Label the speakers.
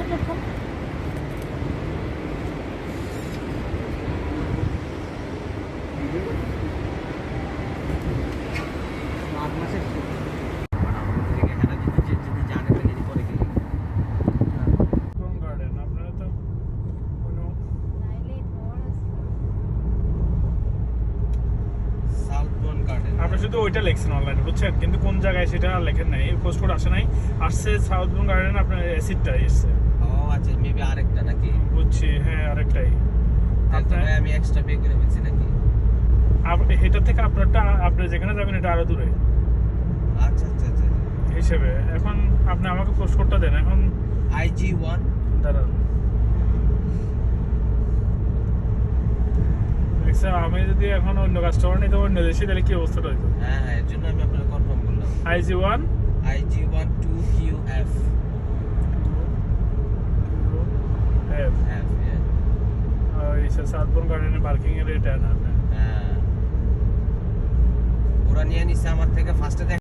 Speaker 1: Platform.
Speaker 2: আপনি শুধু ওইটা লিখছেন অনলাইনে, বুঝছেন, কিন্তু কোন জায়গায় সেটা আর লেখেন নাই, পোস্ট কোড আসে নাই, আসছে সাউথ বন গার্ডেন, আপনার অ্যাসিডটা এসছে।
Speaker 3: ও আচ্ছা, মেবি আরেকটা নাকি?
Speaker 2: বুঝছি, হ্যাঁ আরেকটাই।
Speaker 3: তাহলে আমি এক্সট্রা পে করে ফেলছি নাকি?
Speaker 2: এটা থেকে আপনারটা, আপনি যেখানে যাবেন এটা আরো দূরে
Speaker 3: আচ্ছা আচ্ছা আচ্ছা
Speaker 2: হিসেবে। এখন আপনি আমাকে পোস্ট কোডটা দেন এখন।
Speaker 3: IG1
Speaker 2: দাঁড়ান, দেখছেন, আমি যদি এখন অন্য কাস্টমার নিতে অন্য দেশে, তাহলে কি অবস্থাটা হইতো?
Speaker 3: হ্যাঁ হ্যাঁ, এর জন্য আমি আপনাকে কনফার্ম করলাম।
Speaker 2: IG1
Speaker 3: IG12QF
Speaker 2: F
Speaker 3: F, yeah.
Speaker 2: এই সাউথ বন গার্ডেনের পার্কিং এর এটা না।
Speaker 3: হ্যাঁ, ওরা নিয়ে নিছে আমার থেকে ফার্স্টে।